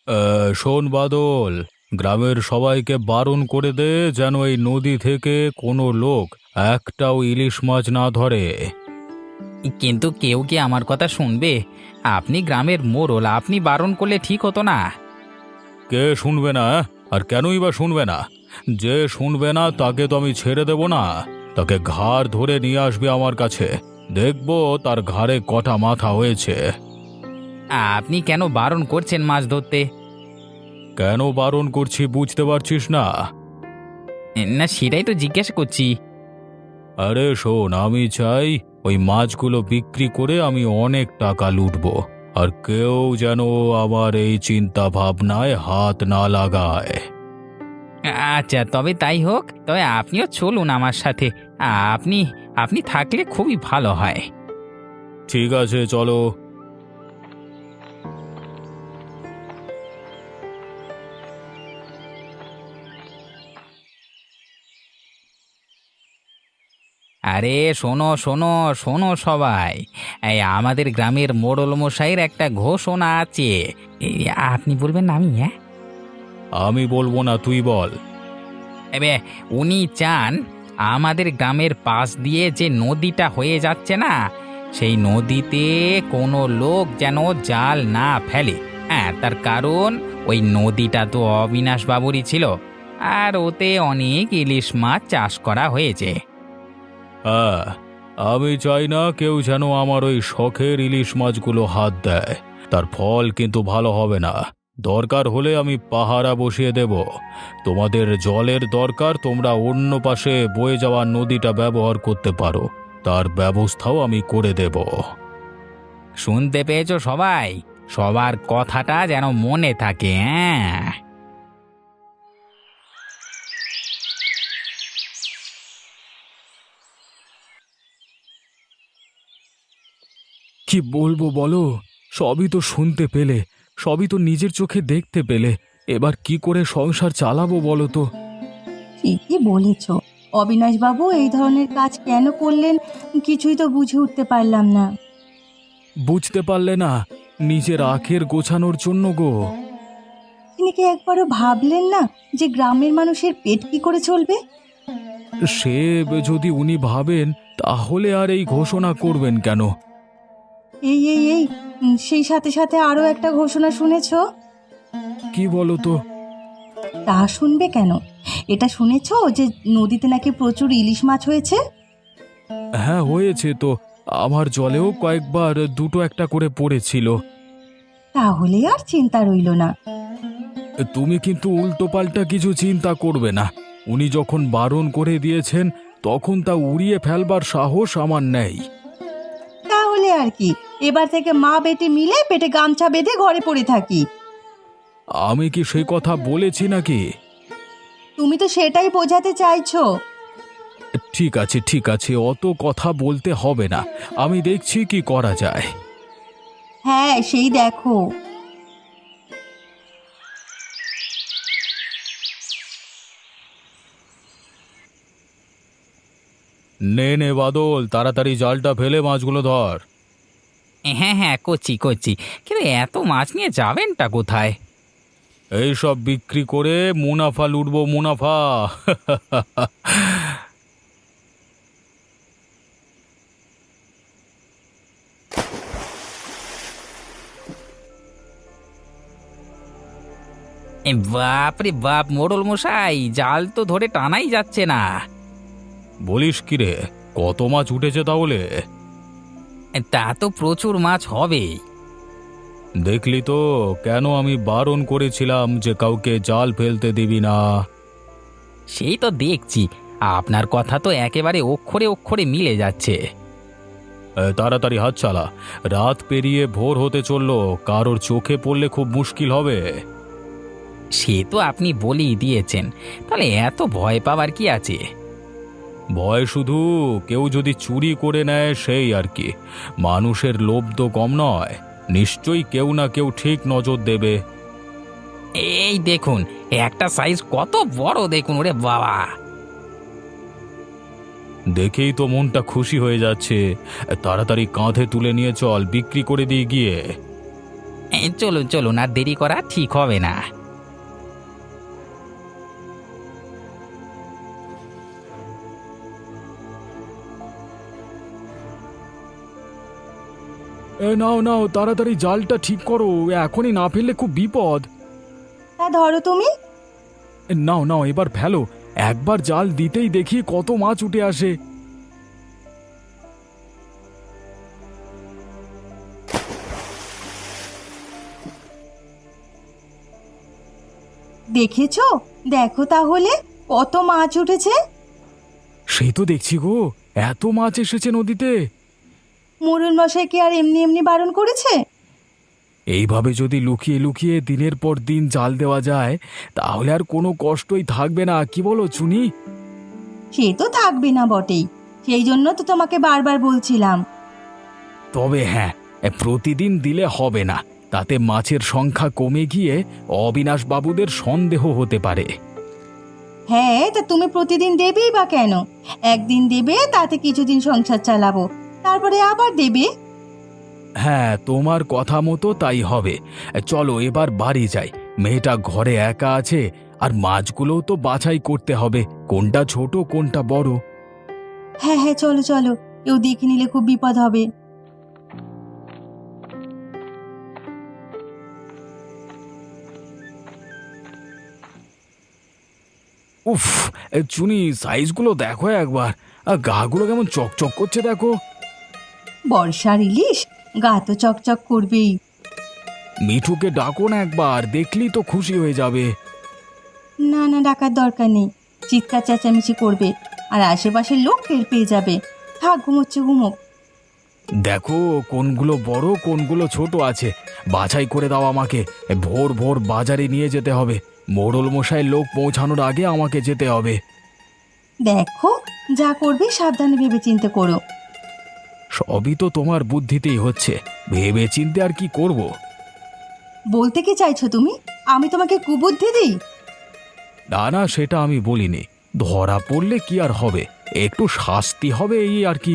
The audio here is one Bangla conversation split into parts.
শোন বাদল, গ্রামের সবাইকে বারণ করে দে যেন এই নদী থেকে কোনো লোক একটাও ইলিশ মাছ না ধরে। কিন্তু কেউ কি আমার কথা শুনবে? আপনি গ্রামের মোড়ল, আপনি বারণ করলে ঠিক হতো না? কে শুনবে না? আর কেনই বা শুনবে না? যে শুনবে না তাকে তো আমি ছেড়ে দেব না। তাকে ঘাড় ধরে নিয়ে আসবে আমার কাছে, দেখবো তার ঘাড়ে কটা মাথা হয়েছে। আপনি কেন বারণ করছেন মাছ ধরতে? কেন বারণ করছি বুঝতে পারছিস না? না, সেটাই তো জিজ্ঞাসা করছি। আরে শোন, আমি চাই ওই মাছগুলো বিক্রি করে আমি অনেক টাকা লুটবো, আর কেউ যেন আমার এই চিন্তা ভাবনায় হাত না লাগায়। আচ্ছা, তবে তাই হোক। তবে আপনিও চলুন আমার সাথে। আপনি আপনি থাকলে খুবই ভালো হয়। ঠিক আছে, চলো। আরে শোনো শোনো শোনো সবাই, এই আমাদের গ্রামের মোড়ল মশাইয়ের একটা ঘোষণা আছে। এই, আপনি বলবেন না আমি? হ্যাঁ, আমি বলবো না, তুই বল। এবে উনি চান আমাদের গ্রামের পাশ দিয়ে যে নদীটা হয়ে যাচ্ছে না, সেই নদীতে কোনো লোক যেন জাল না ফেলে। হ্যাঁ, তার কারণ ওই নদীটা তো অবিনাশ বাবুরই ছিল, আর ওতে অনেক ইলিশ মাছ চাষ করা হয়েছে। হ্যাঁ, আমি চাই না কেউ যেন আমার ওই শখের ইলিশ মাছগুলো হাত দেয়। তার ফল কিন্তু ভালো হবে না। দরকার হলে আমি পাহারা বসিয়ে দেব। তোমাদের জলের দরকার, তোমরা অন্য পাশে বয়ে যাওয়া নদীটা ব্যবহার করতে পারো, তার ব্যবস্থাও আমি করে দেব। শুনতে পেয়েছো সবাই? সবার কথাটা যেন মনে থাকে। হ্যাঁ, কি বলবো বলো? সবই তো শুনতে পেলে, সবই তো নিজের চোখে দেখতে পেলে। এবার কি করে সংসার চালাবো বলো তো? ঠিকই বলেছ। অবিনাশবাবু এই ধরনের কাজ কেন করলেন কিছুই তো বুঝে উঠতে পারলাম না। বুঝতে পারলে না? নিজের আখের গোছানোর জন্য গো। তিনি কি একবারও ভাবলেন না যে গ্রামের মানুষের পেট কি করে চলবে? সে যদি উনি ভাবেন, তাহলে আর এই ঘোষণা করবেন কেন? এই সেই সাথে সাথে আরো একটা ঘোষণা শুনেছ? কি বলো তো? তা শুনবে কেন, এটা শুনেছ যে নদীতে নাকি প্রচুর ইলিশ মাছ হয়েছে? হ্যাঁ, হয়েছে তো। আমার জলেও কয়েকবার দুটো একটা করে পড়েছিল। তাহলে আর চিন্তা রইল না। তুমি কিন্তু উল্টোপাল্টা কিছু চিন্তা করবে না। উনি যখন বারণ করে দিয়েছেন, তখন তা উড়িয়ে ফেলবার সাহস আমার নেই। তাহলে আর কি, এবার থেকে মা বেটে মিলে পেটে গামছা বেঁধে ঘরে পড়ে থাকি। আমি কি সে কথা বলেছি নাকি? তুমি তো সেটাই বোঝাতে চাইছো। ঠিক আছে, ঠিক আছে, অত কথা বলতে হবে না। আমি দেখছি কি করা যায়। হ্যাঁ, সেই দেখো। নে নে বাদল, তাড়াতাড়ি জালটা ফেলে মাছগুলো ধর। হ্যাঁ হ্যাঁ, করছি করছি। কিন্তু এত মাছ নিয়ে যাবেনটা কোথায়? এই সব বিক্রি করে মুনাফা লুটবো, মুনাফা। বাপ রে বাপ, মোড়ল মশাই, জাল তো ধরে টানাই যাচ্ছে না। বলিস কি রে? কত মাছ উঠেছে তাহলে? তা তো প্রচুর মাছ হবে। দেখলি তো, কেন আমি বারণ করেছিলাম যে কাউকে জাল ফেলতে দিবি না। সেই তো দেখছি, আপনার কথা তো একেবারে অক্ষরে অক্ষরে মিলে যাচ্ছে। তাড়াতাড়ি হাত চালা। রাত পেরিয়ে ভোর হতে চললো, কারোর চোখে পড়লে খুব মুশকিল হবে। সে তো আপনি বলেই দিয়েছেন, তাহলে এত ভয় পাওয়ার কি আছে? ভয় শুধু কেউ যদি চুরি করে নেয় সেই আর কি। মানুষের লোভ তো কম নয়, নিশ্চয়ই কেউ না কেউ ঠিক নজর দেবে। এই দেখুন, একটা সাইজ কত বড় দেখুন, ওরে বাবা! দেখেই তো মনটা খুশি হয়ে যাচ্ছে। তাড়াতাড়ি কাঁধে তুলে নিয়ে চল, বিক্রি করে দিয়ে গিয়ে। চলুন চলুন, আর দেরি করা ঠিক হবে না। নাও নাও, তাড়াতাড়ি জালটা ঠিক করো, এখনই না ফেললে খুব বিপদ। তা ধরো তুমি। নাও নাও, এবার ফেলো। একবার জাল দিতেই দেখি কত মাছ উঠে আসে। দেখেছো? দেখো তাহলে কত মাছ উঠেছে। সেই তো দেখছি গো, এত মাছ এসেছে নদীতে। মোড়ল মশাই কি আর এমনি এমনি বারণ করেছে? এইভাবে যদি লুকিয়ে লুকিয়ে দিনের পর দিন জাল দেওয়া যায়, তাহলে আর কোনো কষ্টই থাকবে না, কি বলো চুনি? সে তো থাকবে না বটেই, সেই জন্য তো তোমাকে বারবার বলছিলাম। তবে হ্যাঁ, প্রতিদিন দিলে হবে না, তাতে মাছের সংখ্যা কমে গিয়ে অবিনাশ বাবুদের সন্দেহ হতে পারে। হ্যাঁ, তা তুমি প্রতিদিন দেবেই বা কেন? একদিন দেবে, তাতে কিছুদিন সংসার চালাবো, তারপরে আবার দেবে। হ্যাঁ, তোমার কথা মতো তাই হবে। চলো এবার বাড়ি যাই, মেয়েটা ঘরে একা আছে, আর মাছগুলোও তো বাছাই করতে হবে, কোনটা ছোট কোনটা বড়। হ্যাঁ হ্যাঁ, চলো চলো, কেউ দেখে নিলে খুব বিপদ হবে। উফ, চুনি সাইজগুলো দেখো একবার, আর গাগুলো কেমন চকচক করছে দেখো। বর্ষার ইলিশ, গা তো চকচক করবেই। মিঠুকে ডাকো না একবার, দেখলেই তো খুশি হয়ে যাবে। না না, ডাকার দরকার নেই, চিৎকার চেঁচামেচি করবে, আর আশেপাশের লোক টের পেয়ে যাবে। থাক, ঘুমোচ্ছে ঘুমোক। দেখো কোনগুলো বড় কোনগুলো ছোট আছে, বাছাই করে দাও আমাকে। ভোর ভোর বাজারে নিয়ে যেতে হবে, মোড়ল মশাই লোক পৌঁছানোর আগে আমাকে যেতে হবে। দেখো, যা করবে সাবধানে ভেবে চিন্তে করো। সবই তো তোমার বুদ্ধিতেই হচ্ছে, ভেবে চিন্তে আর কি করব। বলতে কি চাইছো তুমি? আমি তোমাকে কুবুদ্ধি দিই? না না, সেটা আমি বলিনি। ধরা পড়লে কি আর হবে, একটু শাস্তি হবে এই আর কি।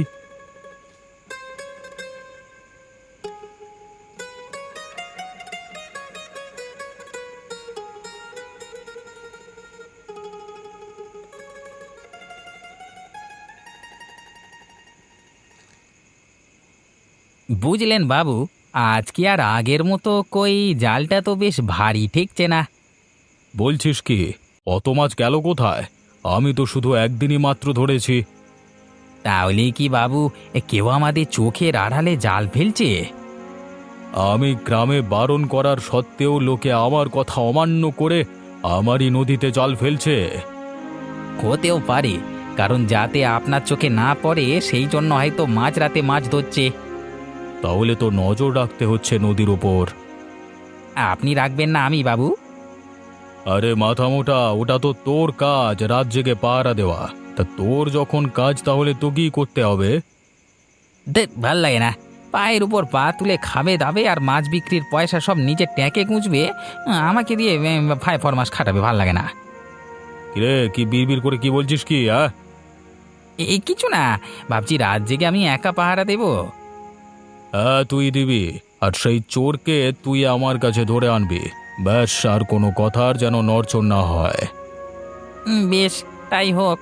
বুঝলেন বাবু, আজ কি আর আগের মতো কই জালটা তো বেশ ভারী ঠেকছে না। বলছিস কি? অত মাছ গেল কোথায়? আমি তো শুধু একদিনই মাত্র ধরেছি। তাহলে কি বাবু, কেউ আমাদের চোখের আড়ালে জাল ফেলছে? আমি গ্রামে বারণ করার সত্ত্বেও লোকে আমার কথা অমান্য করে আমারই নদীতে জাল ফেলছে। হতেও পারে, কারণ যাতে আপনার চোখে না পড়ে সেই জন্য হয়তো মাঝরাতে মাছ ধরছে। তাহলে তো নজর রাখতে হচ্ছে নদীর উপর। আপনি রাখবেন না আমি বাবু? আরে মাথা মোটা, ওটা তো তোর কাজ, রাত জেগে পাহারা দেওয়া। তা তোর যখন কাজ, তাহলে তোকেই করতে হবে। ভাল লাগে না, পায়ের উপর পা তুলে খাবে দাবে আর মাছ বিক্রির পয়সা সব নিজের ট্যাঁকে গুঁজবে, আমাকে দিয়ে ফাই ফরমাস খাটাবে, ভাল লাগে না। কিরে, কি বিড়বিড় করে কি বলছিস কি? এই কিছু না, ভাবছি রাত জেগে আমি একা পাহারা দেব। হ্যাঁ, তুই দিবি, আর সেই চোরকে তুই আমার কাছে ধরে আনবি। ব্যাস, আর কোনো কথার যেন নড়চড় না হয়। বেশ, তাই হোক।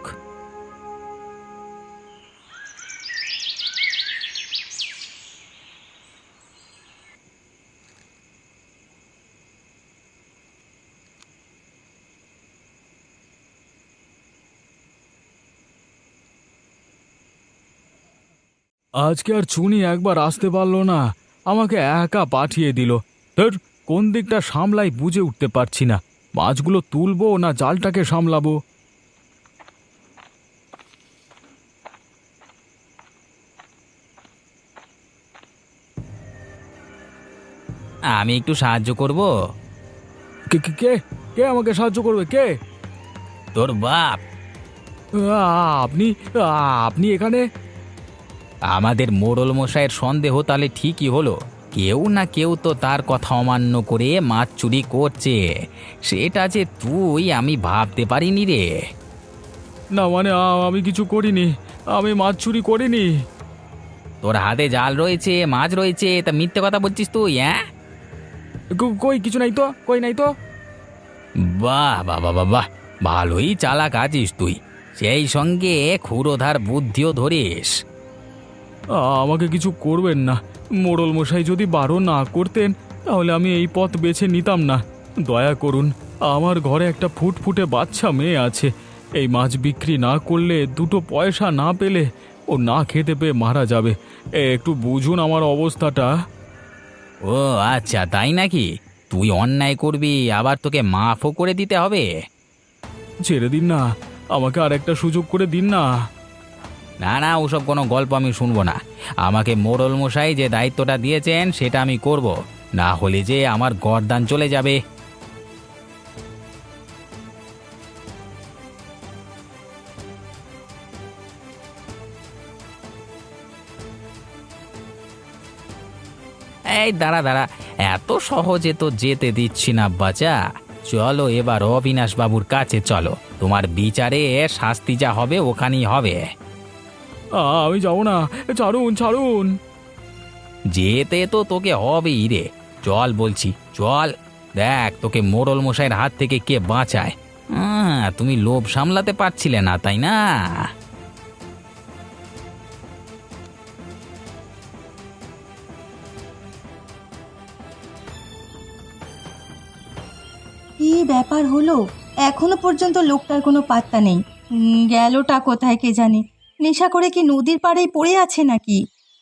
আজকে আর চুনি একবার আসতে পারলো না, আমাকে একা পাঠিয়ে দিল। ধুর, কোন দিকটা সামলাই বুঝে উঠতে পারছি না, মাছগুলো তুলবো না জালটাকে সামলাবো। আমি একটু সাহায্য করব। কে কে কে কে আমাকে সাহায্য করবে, কে? তোর বাপ। আপনি আপনি এখানে? আমাদের মোড়ল মশাইয়ের সন্দেহ তাহলে ঠিকই হলো, কেউ না কেউ তো তার কথা অমান্য করে মাছ চুরি করছে। সেটা যে তুই, আমি ভাবতে পারিনি রে। না মানে, আমি কিছু করিনি, আমি মাছ চুরি করিনি। তোর হাতে জাল রয়েছে, মাছ রয়েছে, তা মিথ্যে কথা বলছিস তুই? হ্যাঁ, কই কিছু নাই তো, কই নাই তো। বাহ বাহ বাহ বাহ বাহ, ভালোই চালাক আছিস তুই, সেই সঙ্গে ক্ষুরোধার বুদ্ধিও ধরিস। আমাকে কিছু করবেন না, মোড়ল মশাই যদি বারণ না করতেন তাহলে আমি এই পথ বেছে নিতাম না। দয়া করুন, আমার ঘরে একটা ফুটফুটে বাচ্চা মেয়ে আছে। এই মাছ বিক্রি না করলে, দুটো পয়সা না পেলে ও না খেতে পেয়ে মারা যাবে। একটু বুঝুন আমার অবস্থাটা। ও আচ্ছা, তাই নাকি? তুই অন্যায় করবি আবার তোকে মাফও করে দিতে হবে? ছেড়ে দিন না, আমাকে আর একটা সুযোগ করে দিন না। না না, ওসব কোনো গল্প আমি শুনবো না। আমাকে মোড়ল মশাই যে দায়িত্বটা দিয়েছেন সেটা আমি করব, না হলে যে আমার গরদান চলে যাবে। এই দাঁড়া দাঁড়া, এত সহজে তো যেতে দিচ্ছি না বাচ্চা। চলো এবার অবিনাশ বাবুর কাছে চলো, তোমার বিচারে শাস্তি যা হবে ওখানেই হবে। আমি যাবো না, ছাড়ুন ছাড়ুন। যেতে তো তোকে হবেই রে, চল বলছি চল। দেখ তোকে মোড়ল মশাইয়ের হাত থেকে কে বাঁচায়। তুমি লোভ সামলাতে পারছিলে না, তাই না? কি ব্যাপার হলো, এখনো পর্যন্ত লোকটার কোনো পাত্তা নেই। গেলটা কোথায় কে জানে? নেশা করে কি নদীর পাড়েই পড়ে আছে নাকি?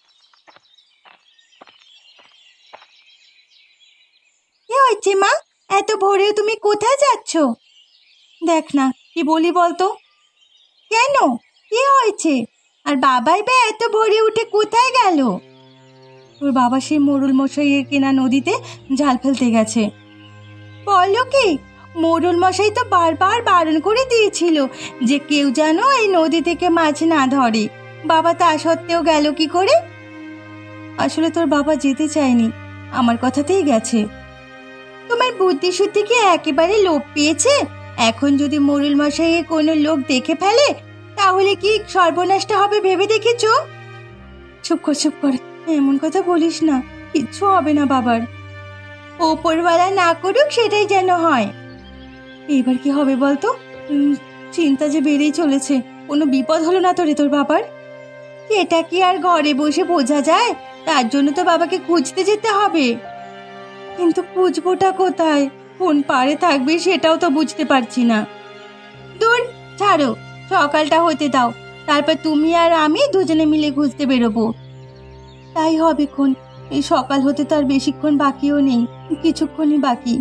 কি হয়েছে মা, এত ভোরে তুমি কোথায় যাচ্ছ? দেখ না, কি বলি বলতো? কেন, কি হয়েছে? আর বাবাই বা এত ভোরে উঠে কোথায় গেল? তোর বাবা সেই মোড়ল মশাইয়ের কেনা নদীতে জাল ফেলতে গেছে। বলো কি? মোড়ল মশাই তো বারবার বারণ করে দিয়েছিল যে কেউ যেন এই নদী থেকে মাছ না ধরে। বাবা তা সত্ত্বেও গেল কি করে? আসলে তোর বাবা যেতে চায়নি, আমার কথাতেই গেছে। তোমার বুদ্ধি শুদ্ধি কি একেবারে লোপ পেয়েছে? এখন যদি মোড়ল মশাইয়ের কোনো লোক দেখে ফেলে তাহলে কি সর্বনাশটা হবে ভেবে দেখেছো? চুপ কর চুপ কর, এমন কথা বলিস না, কিচ্ছু হবে না বাবার। ওপরওয়ালা না করুক সেটাই যেন হয়। এবার কি হবে বলতো? চিন্তা যে বেড়েই চলেছে। কোনো বিপদ হলো না তো রে তোর বাবার? এটা কি আর ঘরে বসে বোঝা যায়? তার জন্য তো বাবাকে খুঁজতে যেতে হবে। কিন্তু খুঁজবোটা কোথায়, কোন পাড়ে থাকবে সেটাও তো বুঝতে পারছি না। দূর, ছাড়ো, সকালটা হতে দাও, তারপর তুমি আর আমি দুজনে মিলে খুঁজতে বেরোবো। তাই হবে খন, এই সকাল হতে তো আর বেশিক্ষণ বাকিও নেই, কিছুক্ষণই বাকি।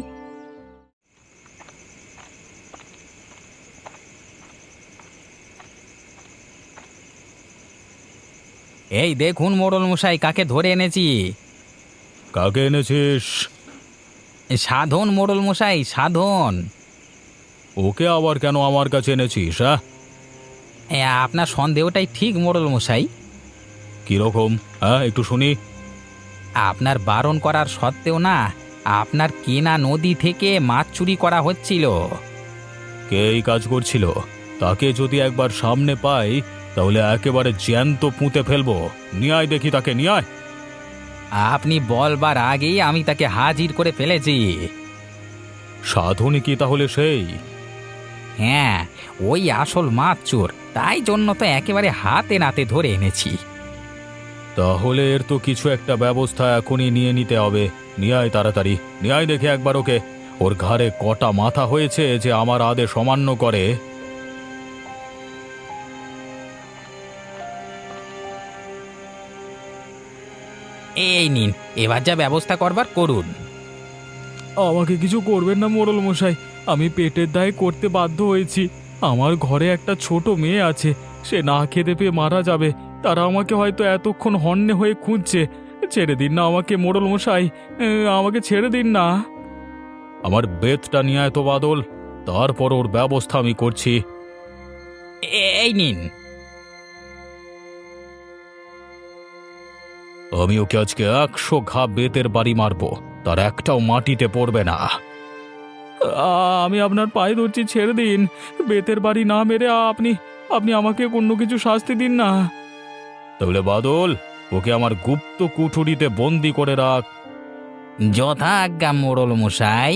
এই দেখুন মোড়ল মশাই, কাকে ধরে এনেছি। কাকে এনেছিস? সাধন মোড়ল মশাই, সাধন। ওকে আবার কেন আমার কাছে এনেছিস? আপনার সন্দেহটাই ঠিক মোড়ল মশাই। কিরকম? একটু শুনি। আপনার বারণ করার সত্ত্বেও না, আপনার কেনা নদী থেকে মাছ চুরি করা হচ্ছিল। কে এই কাজ করছিল? তাকে যদি একবার সামনে পাই তাহলে একেবারে জ্যান্ত পুঁতে ফেলবো। নিয়ে আয় দেখি তাকে, নিয়ে আয়। আপনি বলবার আগেই আমি তাকে হাজির করে ফেলেছি। সাধনী কি তাহলে সেই? হ্যাঁ, ওই আসল মাছ চোর, তাই জন্য তো একেবারে হাতে নাতে ধরে এনেছি। তাহলে এর তো কিছু একটা ব্যবস্থা এখনই নিয়ে নিতে হবে। নিয়ে আয় তাড়াতাড়ি, নিয়ে আয় দেখি একবার ওকে। ওর ঘাড়ে কটা মাথা হয়েছে যে আমার আদেশ অমান্য করে। এই নিন, এবার যা ব্যবস্থা করবার করুন। আমাকে কিছু করবেন না মোড়ল মশাই, আমি পেটের দায়ে করতে বাধ্য হয়েছি। আমার ঘরে একটা ছোট মেয়ে আছে, সে না খেতে পেয়ে মারা যাবে। তারা আমাকে হয়তো এতক্ষণ হন্যে হয়ে খুঁজছে। ছেড়ে দিন না আমাকে মোড়ল মশাই, আমাকে ছেড়ে দিন না। আমার বেতটা নিয়ে আয় তো বাদল, তারপর ওর ব্যবস্থা আমি করছি। এই নিন। আমি ওকে আজকে 100 ঘা বেতের বাড়ি মারবো, তার একটাও মাটিতে পড়বে না। আমি আপনার পায়ে ধরছি, ছেড়ে দিন। বেতের বাড়ি না মেরে আপনি আপনি আমাকে অন্য কিছু শাস্তি দিন না। তাহলে বাদল, ওকে আমার গুপ্ত কুঠুরিতে বন্দি করে রাখ। যথাজ্ঞা মোড়ল মশাই।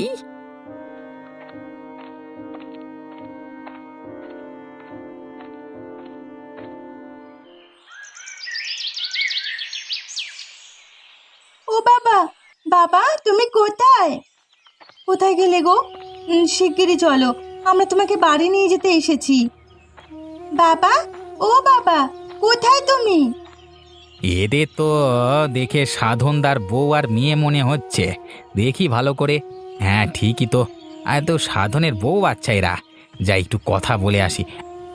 ও বাবা, বাবা তুমি কোথায়? কোথায় গেলে গো? শিগগিরই চলো, আমরা তোমাকে বাড়ি নিয়ে যেতে এসেছি। বাবা, ও বাবা, কোথায় তুমি? এদের তো দেখে সাধনদার বউ আর মেয়ে মনে হচ্ছে। দেখি ভালো করে। হ্যাঁ ঠিকই তো, আর তো সাধনের বউ বাচ্চা এরা। যাই একটু কথা বলে আসি।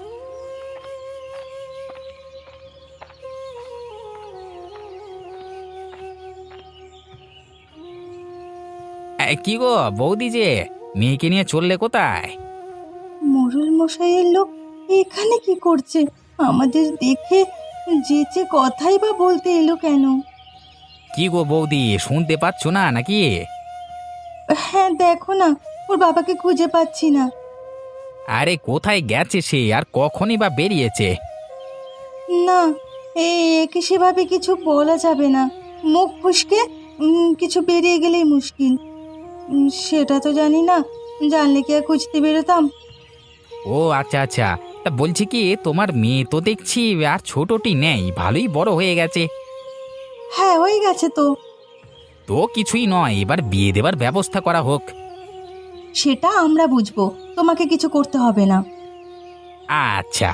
কি গো বৌদি, যে মেয়েকে নিয়ে চললে কোথায়? মোড়ল মশাইয়ের লোক এখানে কি করছে? আমাদের দেখে যেচে কথাই বা বলতে এলো কেন? কি গো বৌদি, শুনতে পাচ্ছ না নাকি? হ্যাঁ দেখো না, ওর বাবাকে খুঁজে পাচ্ছি না। আরে কোথায় গেছে সে, আর কখনই বা বেরিয়েছে? না, একে সেভাবে কিছু বলা যাবে না। মুখ ফুসকে কিছু বেরিয়ে গেলেই মুশকিল। সেটা তো জানি না, জানলে কি আর খুঁজতে বেরোতাম? ও আচ্ছা আচ্ছা, তা বলছি কি, তোমার মেয়ে তো দেখছি আর ছোটটি নেই, ভালোই বড় হয়ে গেছে। হ্যাঁ হয়ে গেছে তো। তো কিছুই নয়, এবার বিয়ে দেবার ব্যবস্থা করা হোক। সেটা আমরা বুঝবো, তোমাকে কিছু করতে হবে না। আচ্ছা।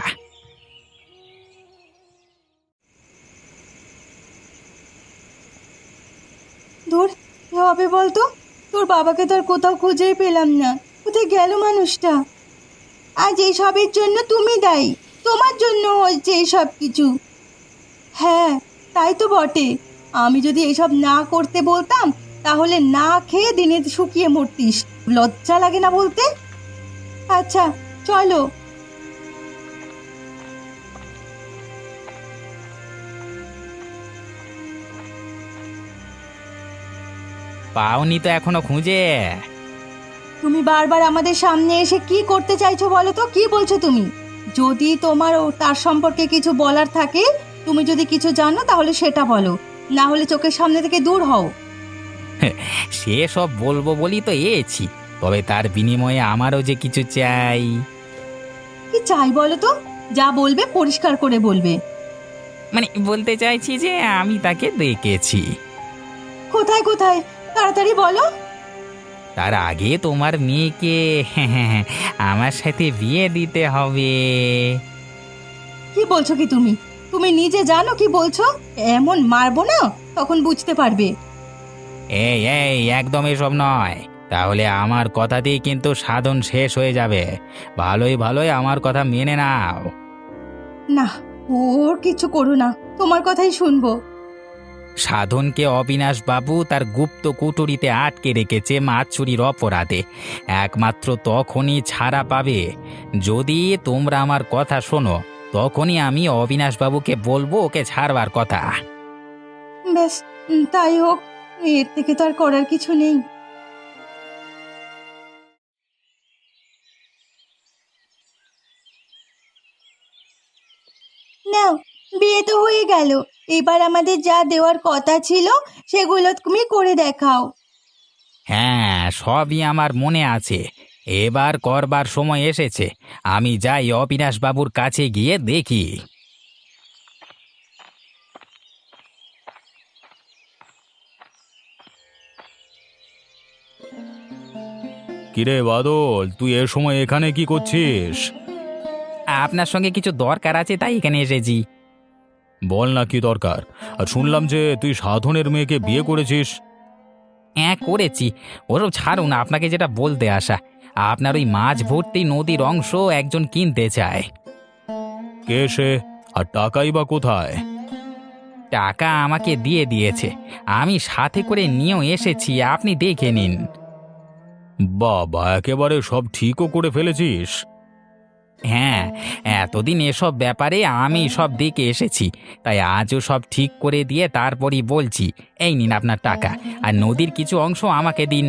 ধুর, কি হবে বলতো? তোর বাবাকে তো আর কোথাও খুঁজেই পেলাম না। কোথায় গেল মানুষটা? আজ এইসবের জন্য তুমি দায়ী, তোমার জন্য হয়েছে এইসব কিছু। হ্যাঁ, তাই তো বটে। আমি যদি এসব না করতে বলতাম, তাহলে না খেয়ে দিনে শুকিয়ে মরতিস। লজ্জা লাগে না বলতে? আচ্ছা চলো। পাওনি তো এখনো খুঁজে? তুমি বারবার আমাদের সামনে এসে কি করতে চাইছো বলো তো? কি বলছো তুমি? যদি তোমার ও তার সম্পর্কে কিছু বলার থাকে, তুমি যদি কিছু জানো তাহলে সেটা বলো, না হলে চোখের সামনে থেকে দূর হও। সে সব বলবো বলি তো এছি, তবে তার বিনিময়ে আমারও যে কিছু চাই। কি চাই বলো তো? যা বলবে পরিষ্কার করে বলবে। মানে বলতে চাইছি যে আমি তাকে দেখেছি। কোথায় কোথায়? তাড়াতাড়ি বলো। তার আগে তোমার মেয়েকে আমার সাথে বিয়ে দিতে হবে। কি বলছো কি তুমি? তুমি নিজে জানো কি বলছো? এমন মারবো না, তখন বুঝতে পারবে। এই এই একদম এসব নয়, তাহলে আমার কথাতেই কিন্তু সাধন শেষ হয়ে যাবে। ভালোই ভালোই আমার কথা মেনে নাও। না, ওর কিছু করো না, তোমার কথাই শুনবো। সাধনকে অবিনাশ বাবু তার গুপ্ত কুটুরিতে আটকে রেখেছে মাছ চুরির অপরাধে। একমাত্র তখনই ছাড়া পাবে যদি তোমরা আমার কথা শোনো। তখনই আমি অবিনাশ বাবুকে বলবো ওকে ছাড়বার কথা। ব্যাস, তাই হোক। এর থেকে তো আর করার কিছু নেই। নাও, বিয়ে তো হয়ে গেল। এবার আমাদের যা দেওয়ার কথা ছিল সেগুলো তুমি করে দেখাও। হ্যাঁ, সবই আমার মনে আছে। এবার করবার সময় এসেছে। আমি যাই অবিনাশ বাবুর কাছে গিয়ে দেখি। কিরে বাদল, তুই এ সময় এখানে কি করছিস? আপনার সঙ্গে কিছু দরকার আছে, তাই এখানে এসেছি। বল না কি দরকার। আর শুনলাম যে তুই সাধনের মেয়েকে বিয়ে করেছিস। হ্যাঁ করেছি। ওসব ছাড়ুন, আপনাকে যেটা বলতে আসা, আপনার ওই মাছ ভর্তি নদীর অংশ একজন কিনতে চায়। কে সে? আর টাকাই বা কোথায়? টাকা আমাকে দিয়ে দিয়েছে, আমি সাথে করে নিয়েও এসেছি, আপনি দেখে নিন। বাবা, একেবারে সব ঠিকও করে ফেলেছিস। হ্যাঁ, এতদিন এসব ব্যাপারে আমি সব দেখে এসেছি, তাই আজও সব ঠিক করে দিয়ে তারপরই বলছি। এই নিন আপনার টাকা, আর নদীর কিছু অংশ আমাকে দিন।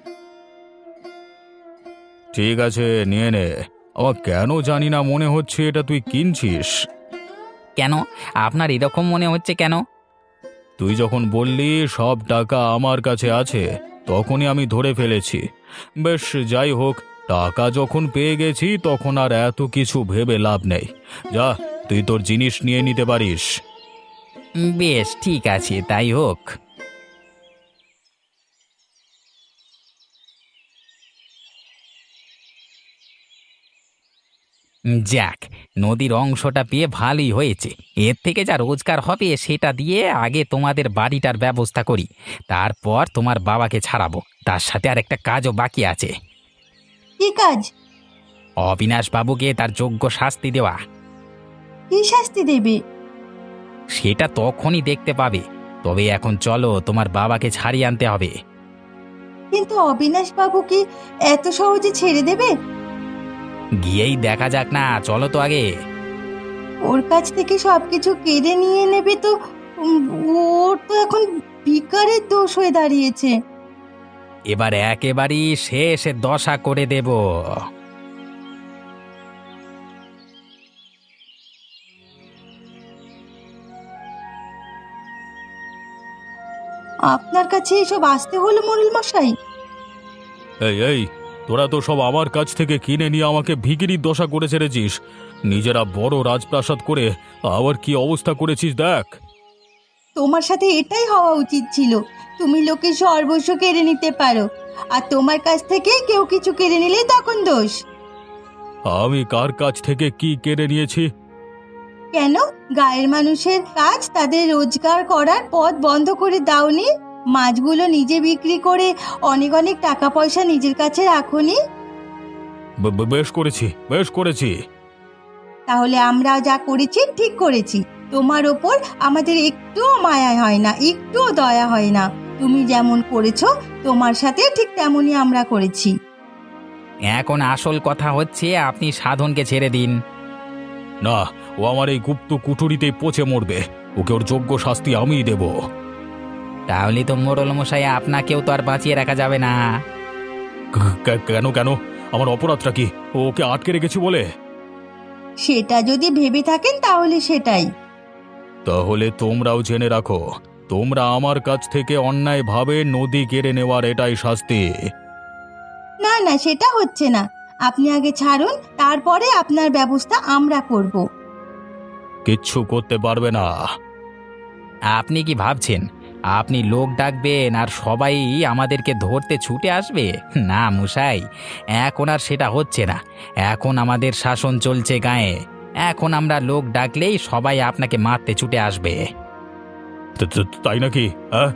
ঠিক আছে, নিয়ে নে। আমার কেন জানি না মনে হচ্ছে এটা তুই কিনছিস। কেন? আপনার এরকম মনে হচ্ছে কেন? তুই যখন বললি সব টাকা আমার কাছে আছে, তখনই আমি ধরে ফেলেছি। বেশ, যাই হোক, টাকা যখন পেয়ে গেছি তখন আর এত কিছু ভেবে লাভ নেই। যা, তুই তোর জিনিস নিয়ে নিতে পারিস। বেশ ঠিক আছে, তাই হোক। যাক, নদীর অংশটা পেয়ে ভালোই হয়েছে। এর থেকে যা রোজগার হবে সেটা দিয়ে আগে তোমাদের বাড়িটার ব্যবস্থা করি, তারপর তোমার বাবাকে ছাড়াবো। তার সাথে আর একটা কাজও বাকি আছে। কি কাজ? অবিনাশ বাবুকে তার যোগ্য শাস্তি দেওয়া। কি শাস্তি দেবে? সেটা তখনই দেখতে পাবে। তবে এখন চলো, তোমার বাবাকে ছাড়িয়ে আনতে হবে। কিন্তু অবিনাশ বাবু কি এত সহজে ছেড়ে দেবে? গিয়েই দেখা যাক না, চলো তো আগে। ওর কাছ থেকে সবকিছু কেড়ে নিয়ে নেবে তো? উম, ওর তো এখন ভিখারির দোষ হয়ে দাঁড়িয়েছে। এবার একেবারেই শেষ দশা করে দেব। আপনার কাছে এসব আসতে হলো মোড়ল মশাই? এই এই, তোরা তো সব আমার কাছ থেকে কিনে নিয়ে আমাকে ভিখিরির দশা করে ছেড়েছিস। নিজেরা বড় রাজপ্রাসাদ করে আবার কি অবস্থা করেছিস দেখ। তোমার সাথে এটাই হওয়া উচিত ছিল। তুমি লোকের সর্বস্ব কেড়ে নিতে পারো, আর তোমার কাছ থেকে কেউ কিছু কেড়ে নিলেই তখন দোষ। আমি কার কাছ থেকে কি কেড়ে নিয়েছি? কেন গায়ের মানুষের কাজ তাদের রোজগার করার পথ বন্ধ করে দাওনি? মাছগুলো নিজে বিক্রি করে অনেক অনেক টাকা পয়সা নিজের কাছে রাখোনি? বেশ করেছি, বেশ করেছি। তাহলে আমরা যা করেছি ঠিক করেছি। তোমার ওপর আমাদের একটুও মায়া হয় না, একটুও দয়া হয় না। তুমি যেমন করেছো তোমার সাথে ঠিক তেমনই আমরা করেছি। এখন আসল কথা হচ্ছে, আপনি সাধনকে ছেড়ে দিন। না, ও আমার এই গুপ্ত কুঠুরিতেই পচে মরবে। ওকে ওর যোগ্য শাস্তি আমিই দেব। তাহলে তো মোড়ল মশাই, আপনাকেও তো আর বাঁচিয়ে রাখা যাবে না। কেন কেন? আমার অপরাধটা কি? ওকে আটকে রেখেছি বলে? সেটা যদি ভেবে থাকেন তাহলে সেটাই। তাহলে তোমরাও জেনে রাখো, তোমরা আমার কাছ থেকে অন্যায়ভাবে নদী কেড়ে নেওয়ার এটাই শাস্তি। না না, সেটা হচ্ছে না। আপনি আগে ছাড়ুন, তারপরে আপনার ব্যবস্থা আমরা করব। কিচ্ছু করতে পারবে না। আপনি কি ভাবছেন আপনি লোক ডাকবেন আর সবাই আমাদেরকে ধরতে ছুটে আসবে? না মশাই, এখন আর সেটা হচ্ছে না। এখন আমাদের শাসন চলছে গায়ে। এখন আমরা লোক ডাকলেই সবাই আপনাকে মারতে ছুটে আসবে। তাই নাকি? হ্যাঁ,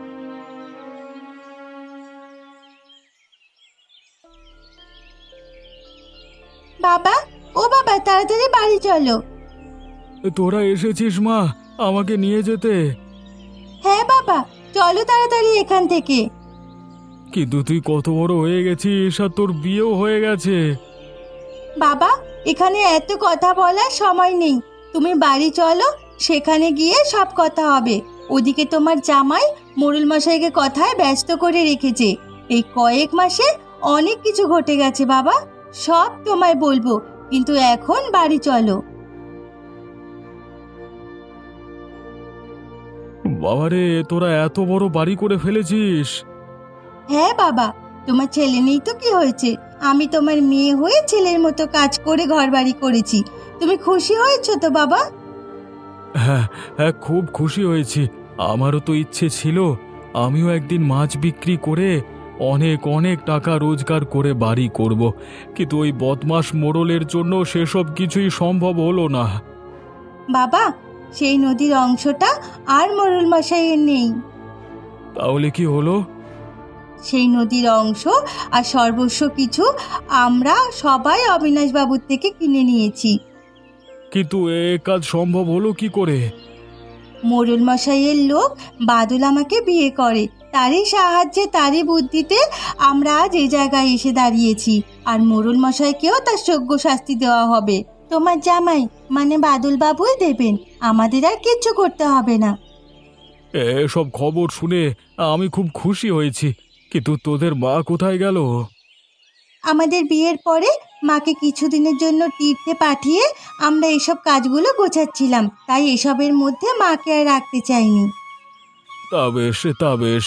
বাবা, ও বাবা, তাড়াতাড়ি বাড়ি চলো। তোরা এসেছিস মা আমাকে নিয়ে যেতে? হ্যাঁ বাবা, চলো তাড়াতাড়ি এখান থেকে। কিন্তু তুই কত বড় হয়ে গেছিস আর তোর বিয়েও হয়ে গেছে। বাবা, এখানে এত কথা বলার সময় নেই। তুমি বাড়ি চলো, সেখানে গিয়ে সব কথা হবে। ওদিকে তোমার জামাই মোড়ল মশাইকে কথায় ব্যস্ত করে রেখেছে। এই কয়েক মাসে অনেক কিছু ঘটে গেছে বাবা, সব তোমায় বলবো, কিন্তু এখন বাড়ি চলো। বাবারে, তোরা এত বড় বাড়ি করে ফেলেছিস? হ্যাঁ বাবা, তোমার ছেলে নেই তো কি হয়েছে? আমি তোমার মেয়ে হয়ে ছেলের মতো কাজ করে ঘরবাড়ি করেছি। তুমি খুশি হয়েছো তো বাবা? হ্যাঁ হ্যাঁ, খুব খুশি হয়েছি। আমারও তো ইচ্ছে ছিল আমিও একদিন মাছ বিক্রি করে অনেক অনেক টাকা রোজগার করে বাড়ি করব, কিন্তু ওই বদমাস মোড়লের জন্য সেসব কিছুই সম্ভব হলো না। বাবা, সেই নদীর অংশটা আর মোড়ল মশাইয়ের নেই। তাহলে কি হলো? সেই নদীর অংশ আর সর্বস্ব কিছু আমরা সবাই অবিনাশ বাবুর থেকে কিনে নিয়েছি। কিন্তু এ কাজ সম্ভব হলো কি করে? মোড়ল মশাইয়ের লোক বাদল আমাকে বিয়ে করে। তারই সাহায্যে, তারই বুদ্ধিতে আমরা আজ এই জায়গায় এসে দাঁড়িয়েছি। আর মোড়ল মশাইকেও তার যোগ্য শাস্তি দেওয়া হবে। তোমার জামাই মানে বাদল বাবুই দেবেন, আমাদের আর কিচ্ছু করতে হবে না। এসব খবর শুনে আমি খুব খুশি হয়েছি, কিন্তু তোদের মা কোথায় গেল? আমাদের বিয়ের পরে মাকে কিছুদিনের জন্য তীর্থে পাঠিয়ে আমরা এসব কাজগুলো গোছাচ্ছিলাম, তাই এসবের মধ্যে মাকে আর রাখতে চাইনি। তা বেশ।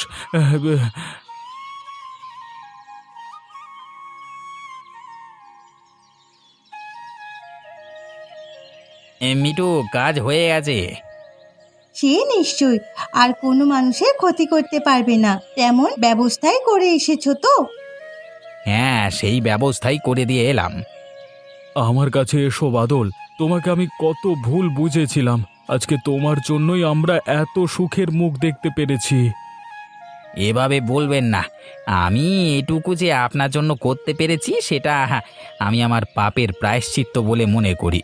মিঠু, কাজ হয়ে গেছে। সে নিশ্চয় আর কোনো মানুষের ক্ষতি করতে পারবে না তেমন ব্যবস্থাই করে এসেছো তো। হ্যাঁ, সেই ব্যবস্থাই করে দিয়ে এলাম। আমার কাছে এসো বাদল, তোমাকে আমি কত ভুল বুঝেছিলাম। আজকে তোমার জন্যই আমরা এত সুখের মুখ দেখতে পেরেছি। এভাবে বলবেন না। আমি এটুকু যে আপনার জন্য করতে পেরেছি সেটা আমি আমার পাপের প্রায়শ্চিত্ত বলে মনে করি।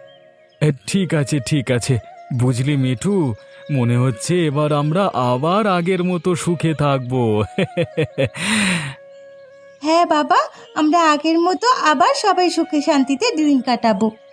ঠিক আছে, বুঝলি মিঠু, মনে হচ্ছে এবার আমরা আবার আগের মতো সুখে থাকবো। হ্যাঁ বাবা, আমরা আগের মতো আবার সবাই সুখে শান্তিতে দিন কাটাবো।